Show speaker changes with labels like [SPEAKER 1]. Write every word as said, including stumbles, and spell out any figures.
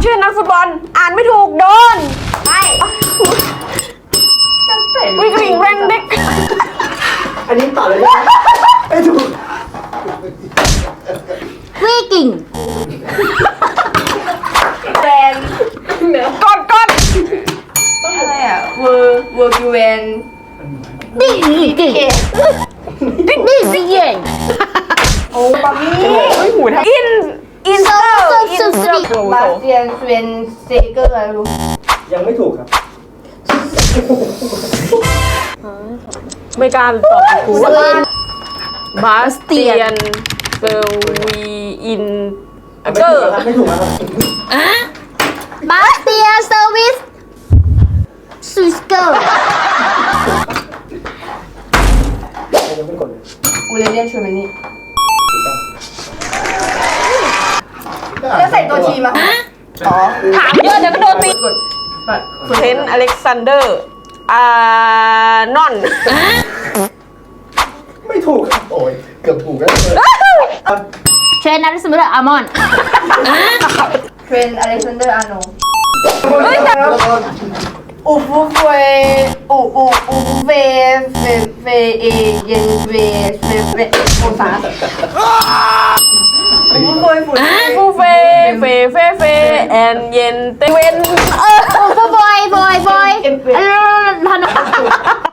[SPEAKER 1] ชื่อนักฟุตบอลอ่านไม่ถูกโดนไม่วิกฤตแรงเด็ก
[SPEAKER 2] อันนี้ต่อเลยนะไม่ถูก
[SPEAKER 3] วิกิ่ง
[SPEAKER 4] แฟนเนื้อก
[SPEAKER 1] ดกด
[SPEAKER 4] อะไรอ่ะเวอร์เวอร์กิเวน
[SPEAKER 3] ดิกิ่งดิสิเย่ง
[SPEAKER 4] โอ้บามี่
[SPEAKER 1] หูทำอินอินเตอร์อินเตอร์
[SPEAKER 4] บาสเตียนสเวนเซเกอร์อะไรรู้
[SPEAKER 2] ยังไม่ถูกครับ
[SPEAKER 1] ไม่กล้าตอบกูบาสเตียนเซอร์วีอินเกอร์
[SPEAKER 2] ไม่ถูกครับ
[SPEAKER 3] บาสเตียเซอร์วิสซูสเกอร์
[SPEAKER 2] ยังไม่กดเลย
[SPEAKER 4] กูเรเดียนชูแมนนี่แล้วใส่ตัวทีมาอ๋อ
[SPEAKER 1] ถามเยอะเดี๋ยวก็โดนตี
[SPEAKER 4] กดบัตร
[SPEAKER 1] เทนอเล็กซานเดอร์อานอน
[SPEAKER 2] ไม่ถูกครับโอ้ยเกือบถูกแล้ว
[SPEAKER 3] เชนนัทสมิธอามอน
[SPEAKER 4] เทรนอเล็กซานเดอร์อาร์โน
[SPEAKER 1] เฮ้ยแต่
[SPEAKER 4] อูฟูเฟอูอูอูฟูเฟเฟเฟเอเย็นเฟเฟเฟโอซาอูฟูเฟฝุ่น
[SPEAKER 1] ฟูเฟเฟเฟเฟแอนเย็นเตเวนเออ
[SPEAKER 3] โอ้บอยบอยบอยฮัลโหลฮัลโหล